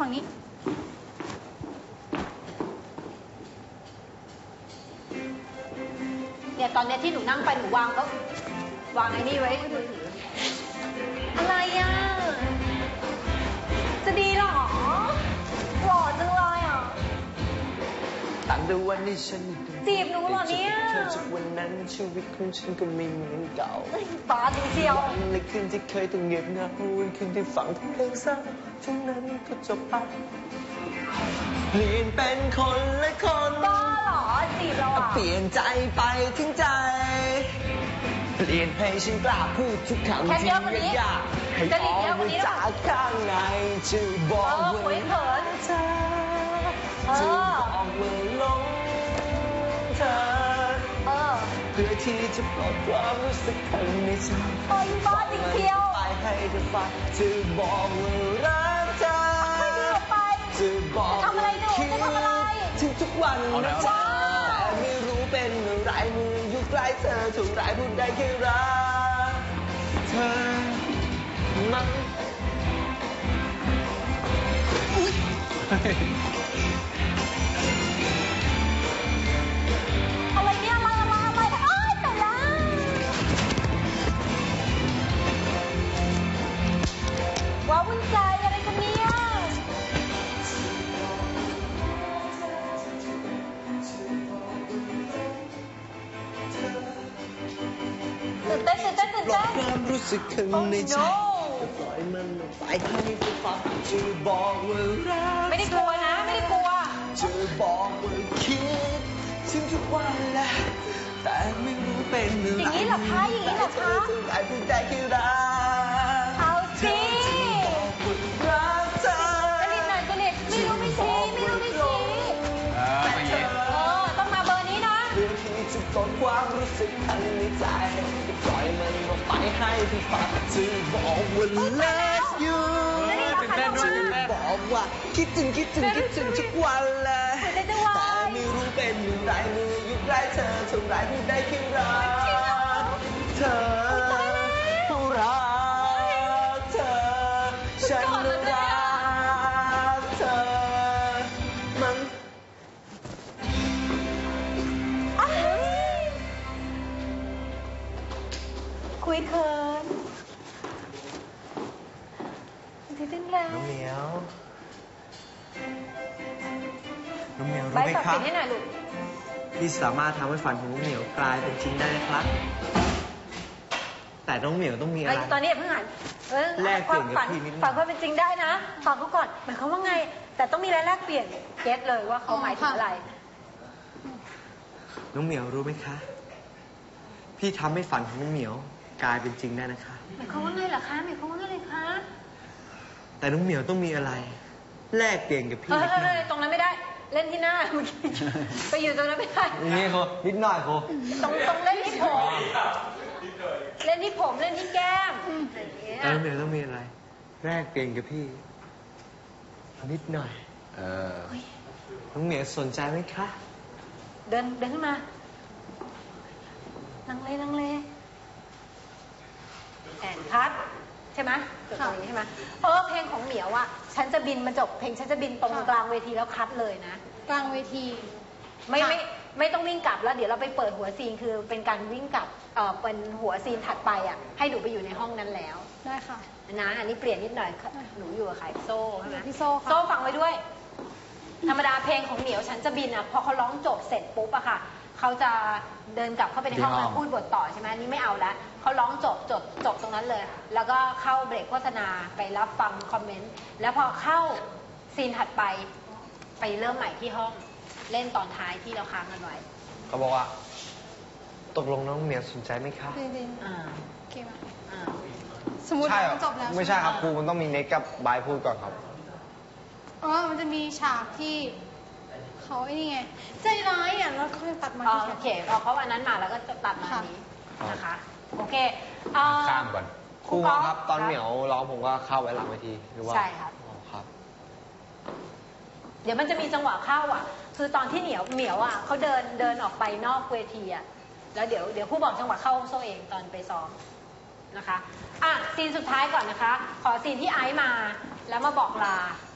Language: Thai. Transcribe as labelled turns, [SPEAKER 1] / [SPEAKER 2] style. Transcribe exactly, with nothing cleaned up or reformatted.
[SPEAKER 1] ฝั่งนี้
[SPEAKER 2] เนี่ยตอนเนี้ยที่หนูนั่งไปหนูวางก็วางไอ้นี่ไว้มือถืออะไรอ่ะจะดีหรอหล่อจังเลยอ่ะ
[SPEAKER 3] ตั้งแต่วันที่ฉัน
[SPEAKER 2] จีบหนูเหรอเนี่ย
[SPEAKER 3] เธอจากวันนั้นชีวิตของฉันก็ไม่เหมือนเก่า
[SPEAKER 2] บ้าจริงเชียว
[SPEAKER 3] วันในคืนที่เคยต้องเงียบเหงาวันคืนที่ฟังเพลงเศร้าช่วงนั้นก็จบไปเปลี่ยนเป็นคนละคน
[SPEAKER 2] บ้าเหรอจีบเราอ่ะ
[SPEAKER 3] เปลี่ยนใจไปถึงใจเปลี่ยนให้ฉันกล้าพูดทุกคำที่ยากๆให้ออกมาจากข้างในจะบอกว่าเธอจะบอกว่าหลงเธอเพื่อที่จะปลดความรู้สึกข้างในใจ
[SPEAKER 2] โอ้ยบ้าจริงเชียว
[SPEAKER 3] ไปให้เธอฟังจะบอกว่ารักเธอจะบอกว่าคิดถึงทุกวันนะจ๊ะแต่ไม่รู้เป็นอะไรมืออยู่ใกล้เธอถูกไรพูดได้แค่รักเธอมัน
[SPEAKER 2] อะไรเนี่ยอะไรอะไรอะไรอ้ายแต่ละว้าวุ่นใจอะไรกันเนี่ยตื่นเต้นตื่นเต้นตื่นเต้น
[SPEAKER 3] ความรู้สึกข้างในใจจะปล่อยมันออกไปให้เธอฟังจะบอกว่ารัก
[SPEAKER 2] ไม่ได้กลัวนะไม่ได้กลัว
[SPEAKER 3] จะบอกว่าคิดถึงทุกวันแหละแต่ไม่รู้เป็นอะไร
[SPEAKER 2] อย่างนี้เหรอคะอย่างนี้เหรอคะ
[SPEAKER 3] ถึงไอ้พูดได้แค่รัก
[SPEAKER 2] เอาสิ
[SPEAKER 3] รักเธอ
[SPEAKER 2] จริตหน่อยจริตไม่รู้ไม่ชี้ไม่รู้ไม่ชี้
[SPEAKER 3] เออไม่เย็น
[SPEAKER 2] เออต้องมาเบอร์นี้นะ
[SPEAKER 3] เรื่องที่จะปลดความรู้สึกข้างในใจจะปล่อยมันออกไปให้เธอฟังจะบอกว่า love you จะบอกว่าคิดถึงคิดถึงคิดถึงทุกวันเลยแต่ไม่รู้เป็นอย่างไรมืออยู่ใกล้เธอเท่าไรพูดได้แค่รักเธอรักเธอฉันรักเธอมัน
[SPEAKER 2] คุยเขินที่เต้นแรง
[SPEAKER 3] น้องเหมียวน้องเหมียวรู้
[SPEAKER 2] ใบ
[SPEAKER 3] ไหม
[SPEAKER 2] สับ
[SPEAKER 3] ครับ
[SPEAKER 2] ปิดให้หน่อยลูก
[SPEAKER 3] พี่สามารถทำให้ฝันของน้องเหมียวกลายเป็นจริงได้นะครับแต่น้องเหมียวต้องมีอะไร
[SPEAKER 2] ตอนนี้เพิ่งหัน
[SPEAKER 3] แลกเปลี่ยนกับพี่นิดนึง
[SPEAKER 2] ฝันความเป็นจริงได้นะฟังเขาก่อนหมายความว่าไงแต่ต้องมีอะไรแลกเปลี่ยนเก็ตเลยว่าเขาหมายถึงอะไร
[SPEAKER 3] น้องเหมียวรู้ไหมคะพี่ทำให้ฝันของน้องเหมียวกลายเป็นจริงได้นะคะ
[SPEAKER 2] หมายความว่าไงล่ะคะหมายความว่าไงเลยคะ
[SPEAKER 3] แต่น้องเหมียวต้องมีอะไรแลกเปลี่ยนกับพี่
[SPEAKER 2] เฮ้ยเฮ้ยตรงนั้นไม่ได้เล่นที่หน้าเมื่อกี้ไปอยู่ตรงนั้นไม่ได้
[SPEAKER 3] นี่โคนิดหน่อยโค
[SPEAKER 2] ตรงตรงเล่นที่ผมเล่นที่ผมเล่นที่แก้ม
[SPEAKER 3] แต่น้องเหมียวต้องมีอะไรแลกเปลี่ยนกับพี่นิดหน่อยเออน้องเหมียวสนใจไหมคะ
[SPEAKER 2] เดินเดินขึ้นมาลังเลลังเลแอนคัทใช่ไหมจุดตรงนี้ใช่ไหมเออเพลงของเหมียวอ่ะฉันจะบินมาจบเพลงฉันจะบินตรงกลางเวทีแล้วคัทเลยนะ
[SPEAKER 1] กลางเวที
[SPEAKER 2] ไม่ไม่ไม่ต้องวิ่งกลับแล้วเดี๋ยวเราไปเปิดหัวซีนคือเป็นการวิ่งกลับเออเป็นหัวซีนถัดไปอ่ะให้หนูไปอยู่ในห้องนั้นแล้ว
[SPEAKER 1] ได้ค่ะ
[SPEAKER 2] นะอันนี้เปลี่ยนนิดหน่อยหนูอยู่กับขายโซ่ใช่ไหม
[SPEAKER 1] พี่โซ่ค่ะ
[SPEAKER 2] โซ่ฟังไว้ด้วยธรรมดาเพลงของเหมียวฉันจะบินอ่ะพอเขาร้องจบเสร็จปุ๊บอะค่ะเขาจะเดินกลับเข้าไปในห้องแล้วพูดบทต่อใช่ไหมนี่ไม่เอาละเขาร้องจบจบจบตรงนั้นเลยแล้วก็เข้าเบรกโฆษณาไปรับฟังคอมเมนต์แล้วพอเข้าซีนถัดไปไปเริ่มใหม่ที่ห้องเล่นตอนท้ายที่เราค้างกันไว้
[SPEAKER 3] เขาบอกว่าตกลงน้องเหมียวสนใจไหมคะ
[SPEAKER 1] จริงๆ
[SPEAKER 2] อ่า
[SPEAKER 1] โอเคไหมสมมติเราจบแล้ว
[SPEAKER 3] ไม่ใช่ครับครูมันต้องมีเนกกับบายพูดก่อนครับ
[SPEAKER 1] อ๋อมันจะมีฉากที่เขาไอ้นี่ไงใจร้ายอ่ะแล้วเขาตัดมา
[SPEAKER 2] โอเคพอเขาวันนั้นมาแล้วก็จะตัดมานี้นะคะโอเค
[SPEAKER 3] ข้ามก่อนครูครับตอนเหมียวร้องผมก็เข้าไว้หลังเวทีหรือว่า
[SPEAKER 2] ใช่ครับ
[SPEAKER 3] ครับ
[SPEAKER 2] เดี๋ยวมันจะมีจังหวะเข้าอ่ะคือตอนที่เหนียวเหมียวอ่ะเขาเดินเดินออกไปนอกเวทีอ่ะแล้วเดี๋ยวเดี๋ยวผู้บอกจังหวะเข้าโซ่เองตอนไปซ้อมนะคะอ่ะซีนสุดท้ายก่อนนะคะขอซีนที่ไอซ์มาแล้วมาบอกลา